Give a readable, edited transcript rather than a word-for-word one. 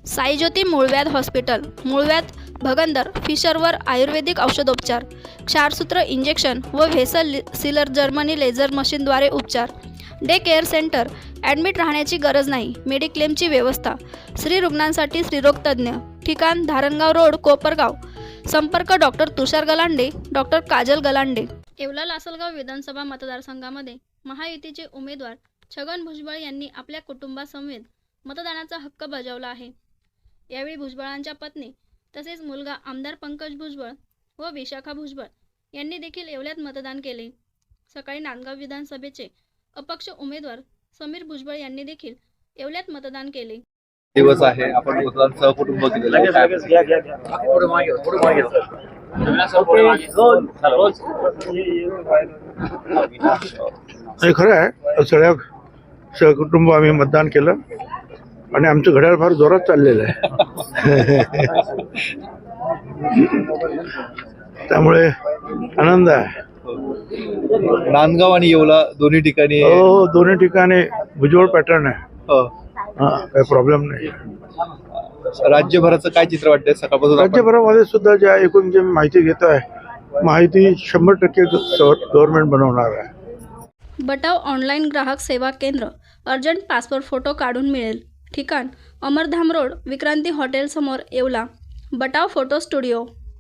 साईज्योती मूळव्याध हॉस्पिटल, मूळव्याध, भगंदर, फिशरवर आयुर्वेदिक औषधोपचार, क्षारसूत्र इंजेक्शन व व्हेसल सीलर जर्मनी लेझर मशीनद्वारे उपचार, डे केअर सेंटर, ॲडमिट राहण्याची गरज नाही, मेडिक्लेमची व्यवस्था, स्त्री रुग्णांसाठी स्त्रीरोग तज्ज्ञ, ठिकाण धारणगाव रोड, कोपरगाव, संपर्क डॉक्टर तुषार गलांडे, डॉक्टर काजल गलांडे. येवला लासलगाव विधानसभा मतदारसंघामध्ये महायुतीचे उमेदवार छगन भुजबळ यांनी आपल्या कुटुंबासमवेत मतदानाचा हक्क बजावला आहे. यावेळी भुजबळांच्या पत्नी तसेच मुलगा आमदार पंकज भुजबळ व विशाखा भुजबळ यांनी देखील येवल्यात मतदान केले. सकाळी नांदगाव विधानसभेचे अपक्ष उमेदवार समीर भुजबळ यांनी देखील येवल्यात मतदान केले. दिवस आहे, आपण मतदान सहकुटुंब केलेलं आहे. हे खरं आहे, सगळ्या सहकुटुंब आम्ही मतदान केलं आणि आमचं घड्याळ फार जोरात चाललेलं आहे. त्यामुळे आनंद आहे. नांदगाव आणि येवला दोन्ही ठिकाणी हो, दोन्ही ठिकाणी भुजबळ पॅटर्न आहे. हो. काही प्रॉब्लेम नाही. राज्यभराचं काय चित्र वाटतंय सकाळपासून? राज्यभरामध्ये सुद्धा ज्या एकूण जे माहिती घेत आहे, माहिती 100% गव्हर्नमेंट बनवणार आहे. बटाव ऑनलाईन ग्राहक सेवा केंद्र, अर्जंट पासपोर्ट फोटो काढून मिळेल. ठिकाण अमरधाम रोड, विक्रांती हॉटेल समोर, येवला. बटाव photo studio.